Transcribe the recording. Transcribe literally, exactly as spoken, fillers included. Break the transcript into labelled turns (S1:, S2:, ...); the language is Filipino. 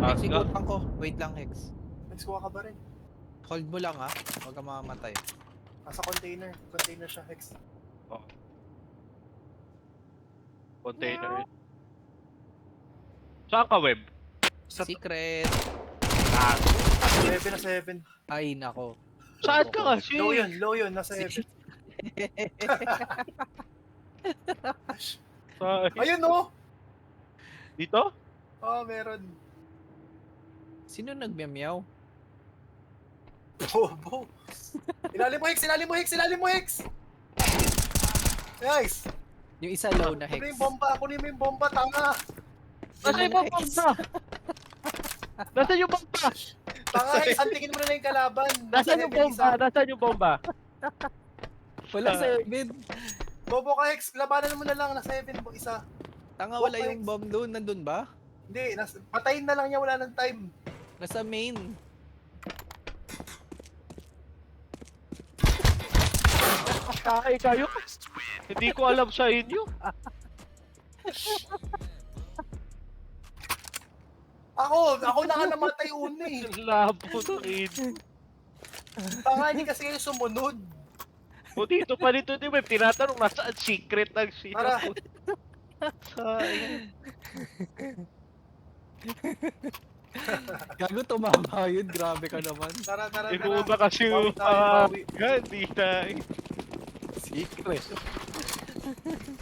S1: Taas
S2: Hex,
S1: ka.
S2: ikutan ko. Wait lang, Hex.
S3: Hex, kuha ka ba rin?
S2: Hold mo lang ha. Huwag ka mamamatay.
S3: Nasa container. Container siya, Hex.
S1: Oh. Container. Saan ka, Web?
S3: Sa
S2: Secret.
S1: Ah,
S3: seven na seven.
S2: Ay, nako.
S1: saan ka
S2: Loko ko.
S1: kasi?
S3: Low yun, low yun. Nasa seven.
S1: Saan?
S3: Ayun oh!
S1: Dito?
S3: Oh, meron.
S2: Sino nagmiyamyaw?
S3: Bobo. Ilalim mo, Hex! Ilalim mo, Hex! Ilalim mo, Hex! Nice!
S2: Yung isa low na,
S3: Kunin mo
S2: Hex.
S3: yung bomba! Kunin mo yung bomba, tanga!
S1: Nasa yung bomba? Nasa yung bomba?
S3: Tanga, Hex! Antingin mo na lang yung kalaban!
S1: Nasa yung
S3: seven
S1: bomba?
S3: isa.
S1: Nasa yung bomba?
S2: Wala seven.
S3: Bobo ka, Hex! Labanan mo na lang na seven po isa.
S2: Tanga,
S3: Walk
S2: wala
S3: pa,
S2: yung
S3: Hex.
S2: bomb doon. Nandun ba?
S3: Hindi, nas patayin na lang niya, wala ng time.
S2: Nasa main.
S1: Kakay kayo? Hindi ko alam sa inyo.
S3: Ako, ako na nga namatay una eh.
S1: Labo ng in.
S3: Tanga, hindi kasi kayo sumunod.
S1: O dito pa dito ni Web, tinatanong nasaan secret ng
S3: Tara.
S1: sino. Sayang.
S2: Gago, tumama yun. Grabe ka naman.
S3: Tara, tara, tara.
S1: Inuuna kasi
S3: Bawi
S1: yung
S3: tayo,
S1: ah,
S3: bawi.
S1: hindi na eh.
S2: Secret.